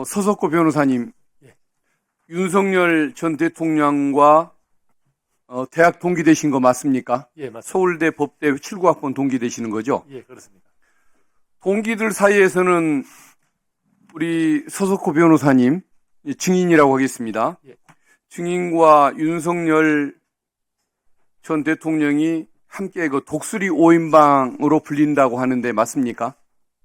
서석구 변호사님, 예. 윤석열 전 대통령과 대학 동기 되신 거 맞습니까? 예, 맞습니다. 서울대 법대 79학번 동기 되시는 거죠? 예, 그렇습니다. 동기들 사이에서는 우리 서석구 변호사님 증인이라고 하겠습니다. 예. 증인과 윤석열 전 대통령이 함께 그 독수리 5인방으로 불린다고 하는데 맞습니까?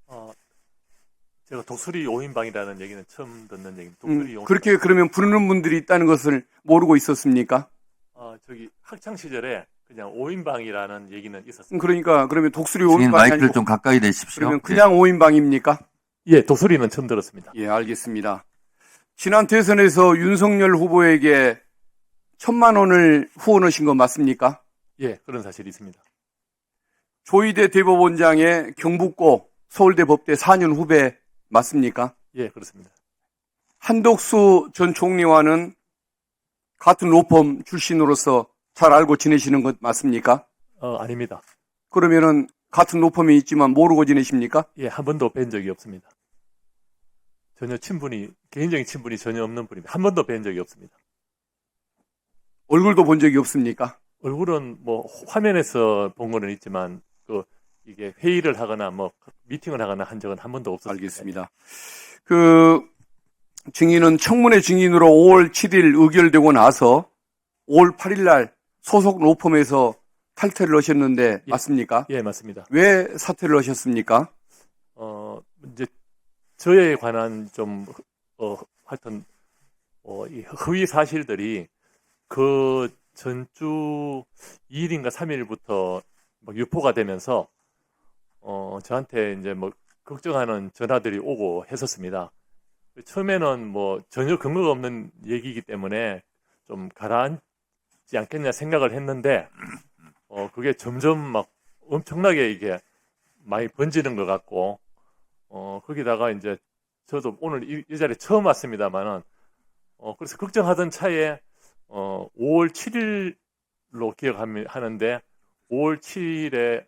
제가 독수리 5인방이라는 얘기는 처음 듣는 얘기입니다. 독수리 5인방. 그렇게 그러면 부르는 분들이 있다는 것을 모르고 있었습니까? 저기 학창 시절에 그냥 5인방이라는 얘기는 있었습니다. 그러니까 그러면 독수리 증인 5인방이 마이크를 아니고 좀 가까이 대십시오. 그러면 그냥 5인방입니까? 예, 독수리는 처음 들었습니다. 예, 알겠습니다. 지난 대선에서 윤석열 후보에게 1,000만 원을 후원하신 거 맞습니까? 예, 그런 사실이 있습니다. 조희대 대법원장의 경북고 서울대 법대 4년 후배 맞습니까? 예, 그렇습니다. 한덕수 전 총리와는 같은 로펌 출신으로서 잘 알고 지내시는 것 맞습니까? 아닙니다. 그러면은 같은 로펌이 있지만 모르고 지내십니까? 예, 한 번도 뵌 적이 없습니다. 전혀 개인적인 친분이 전혀 없는 분입니다. 한 번도 뵌 적이 없습니다. 얼굴도 본 적이 없습니까? 얼굴은 뭐 화면에서 본 거는 있지만 이게 회의를 하거나 뭐 미팅을 하거나 한 적은 한 번도 없었습니다. 알겠습니다. 그 증인은 청문회 증인으로 5월 7일 의결되고 나서 5월 8일 날 소속 로펌에서 탈퇴를 하셨는데 예. 맞습니까? 예, 맞습니다. 왜 사퇴를 하셨습니까? 이제 저에 관한 좀 하여튼 이 허위 사실들이 그 전주 2일인가 3일부터 유포가 되면서 저한테 이제 뭐 걱정하는 전화들이 오고 했었습니다. 처음에는 뭐 전혀 근거가 없는 얘기이기 때문에 좀 가라앉지 않겠냐 생각을 했는데 그게 점점 막 엄청나게 이게 많이 번지는 것 같고 거기다가 이제 저도 오늘 이 자리에 처음 왔습니다만은 그래서 걱정하던 차에 5월 7일로 기억하는데 5월 7일에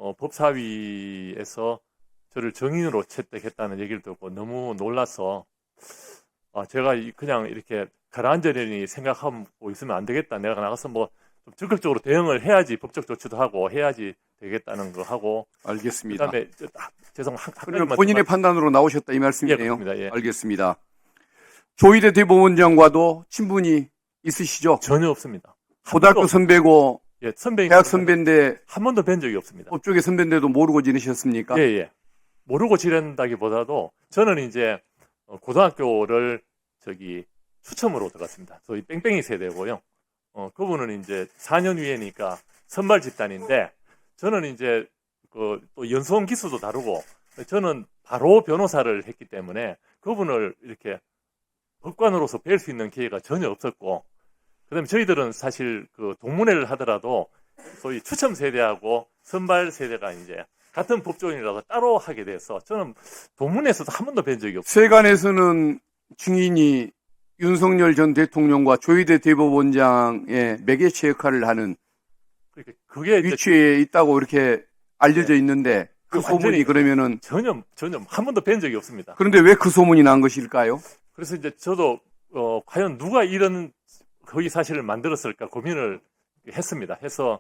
법사위에서 저를 정인으로 채택했다는 얘기를 듣고 너무 놀라서 제가 그냥 이렇게 가라앉으려니 생각하고 있으면 안 되겠다. 내가 나가서 뭐 좀 적극적으로 대응을 해야지 법적 조치도 하고 해야지 되겠다는 거 하고. 알겠습니다. 그다음에 그러면 본인의 판단으로 나오셨다 이 예, 말씀이네요. 그렇습니다. 예. 알겠습니다. 조희대 대법원장과도 친분이 있으시죠? 전혀 없습니다. 고등학교 선배고 예, 선배인 대학 선배인데 한 번도 뵌 적이 없습니다. 법조계 선배인데도 모르고 지내셨습니까? 예, 예. 모르고 지낸다기보다도 저는 이제 고등학교를 추첨으로 들어갔습니다. 소위 뺑뺑이 세대고요. 그분은 이제 4년 위에니까 선발 집단인데 저는 이제 또 연수원 기수도 다르고 저는 바로 변호사를 했기 때문에 그분을 이렇게 법관으로서 뵐 수 있는 기회가 전혀 없었고 그다음에 저희들은 사실 동문회를 하더라도 소위 추첨 세대하고 선발 세대가 이제 같은 법조인이라서 따로 하게 돼서 저는 동문회에서도 한 번도 뵌 적이 없어요. 세간에서는 증인이 윤석열 전 대통령과 조희대 대법원장의 매개체 역할을 하는 그게 이제 위치에 있다고 이렇게 알려져 있는데 그 소문이 그러면은 전혀 한 번도 뵌 적이 없습니다. 그런데 왜 그 소문이 난 것일까요? 그래서 이제 저도 과연 누가 이런 허위 사실을 만들었을까 고민을 했습니다. 해서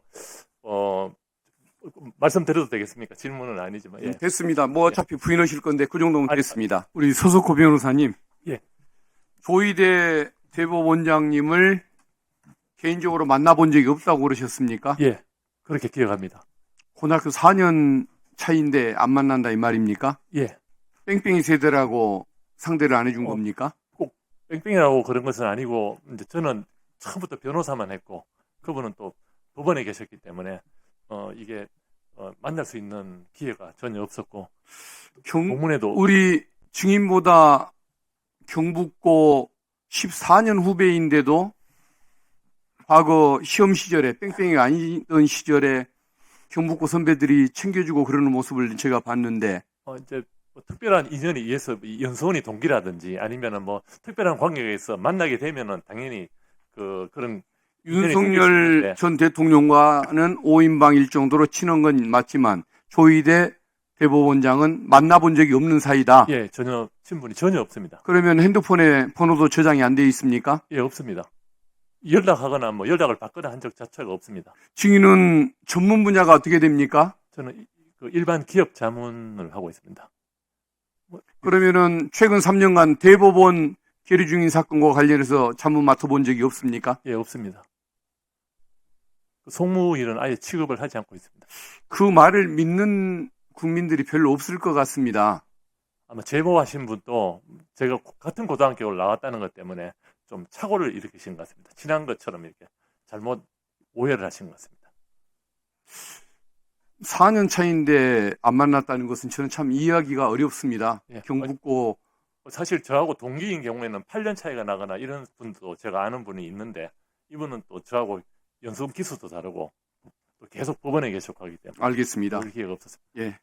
말씀드려도 되겠습니까? 질문은 아니지만. 예. 됐습니다. 뭐 어차피 부인하실 건데 그 정도면 됐습니다. 우리 서석호 변호사님. 예. 조희대 대법원장님을 개인적으로 만나본 적이 없다고 그러셨습니까? 예. 그렇게 기억합니다. 고등학교 4년 차인데 안 만난다 이 말입니까? 예. 뺑뺑이 세대라고 상대를 안 해준 겁니까? 꼭 뺑뺑이라고 그런 것은 아니고 이제 저는 처음부터 변호사만 했고 그분은 또 법원에 계셨기 때문에 이게 만날 수 있는 기회가 전혀 없었고 공문에도 우리 증인보다 경북고 14년 후배인데도 과거 시험 시절에 뺑뺑이가 아니던 시절에 경북고 선배들이 챙겨주고 그러는 모습을 제가 봤는데 이제 뭐 특별한 인연이 의해서 연수원이 동기라든지 아니면은 뭐 특별한 관계가 있어 만나게 되면은 당연히 그런 윤석열 전 대통령과는 5인방일 정도로 친한 건 맞지만 조희대 대법원장은 만나본 적이 없는 사이다. 예, 전혀 친분이 전혀 없습니다. 그러면 핸드폰에 번호도 저장이 안 돼 있습니까? 예, 없습니다. 연락하거나 뭐 연락을 받거나 한 적 자체가 없습니다. 증인은 전문 분야가 어떻게 됩니까? 저는 그 일반 기업 자문을 하고 있습니다. 그러면은 최근 3년간 대법원 계류 중인 사건과 관련해서 자문 맡아본 적이 없습니까? 예, 없습니다. 그 송무일은 아예 취급을 하지 않고 있습니다. 그 말을 믿는 국민들이 별로 없을 것 같습니다. 아마 제보하신 분도 제가 같은 고등학교를 나왔다는 것 때문에 좀 착오를 일으키신 것 같습니다. 친한 것처럼 이렇게 잘못 오해를 하신 것 같습니다. 4년 차인데 안 만났다는 것은 저는 참 이해하기가 어렵습니다. 예. 경북고 사실 저하고 동기인 경우에는 8년 차이가 나거나 이런 분도 제가 아는 분이 있는데 이분은 또 저하고 연수원 기수도 다르고 또 계속 법원에 계속하기 때문에 알겠습니다. 볼 기회가 없었습니다. 예.